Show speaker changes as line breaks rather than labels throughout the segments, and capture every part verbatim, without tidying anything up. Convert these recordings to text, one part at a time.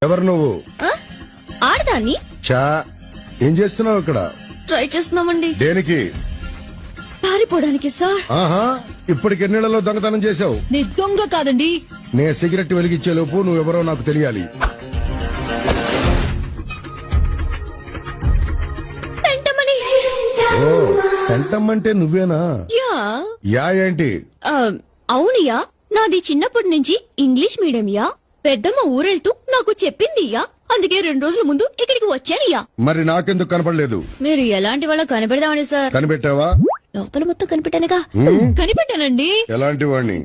ఎవరు నువ్వు?
ఆడదాన్ని.
చా ఏం చేస్తున్నావు ఇక్కడ?
ట్రై చేస్తున్నామండి.
దేనికి?
పారిపోవడానికి సార్.
ఆహా, ఇప్పటికి ఎన్నేళ్లలో దొంగతనం చేశావు?
నీ దొంగ కాదండి.
నే సిగరెట్ వెలిగించే లోపు నువ్వెవరో నాకు తెలియాలి.
పెంటమని.
ఓ, పెంటమ్మంటే నువ్వేనా?
యా.
యా ఏంటి?
ఆ, అవునియా, నాది చిన్నప్పటి నుంచి ఇంగ్లీష్ మీడియం యా. పెద్దమ్మ ఊరెళ్తూ నాకు చెప్పింది యా, అందుకే రెండు రోజుల ముందు ఇక్కడికి వచ్చానయ్యా.
మరి నాకెందుకు కనపడలేదు?
మీరు ఎలాంటి వాళ్ళ కనిపెడదామని సార్.
కనిపెట్టావా?
లోపల మొత్తం కనిపెట్టానుగా. కనిపెట్టానండి.
ఎలాంటి వాణ్ణి?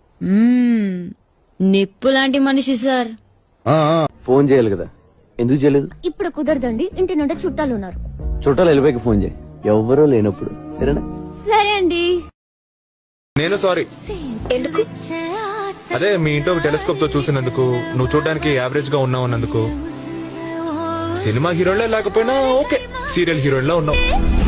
నిప్పు లాంటి మనిషి సార్.
ఆ, ఆ.
ఫోన్ చేయాలి కదా, ఎందుకు చేయలేదు?
ఇప్పుడు కుదరదండి, ఇంటి నుండి చుట్టాలు ఉన్నారు.
చుట్టాలు వెళ్ళిపోయి ఫోన్ చేయి, ఎవరో లేనప్పుడు. సరేనా?
సరే అండి.
నేను సారీ.
ఎందుకు?
అదే మీ ఇంట్లో టెలిస్కోప్ తో చూసినందుకు, నువ్వు చూడడానికి యావరేజ్ గా ఉన్నావు అన్నందుకు. సినిమా హీరోలే లేకపోయినా ఓకే, సీరియల్ హీరోయిన్ లా ఉన్నావు.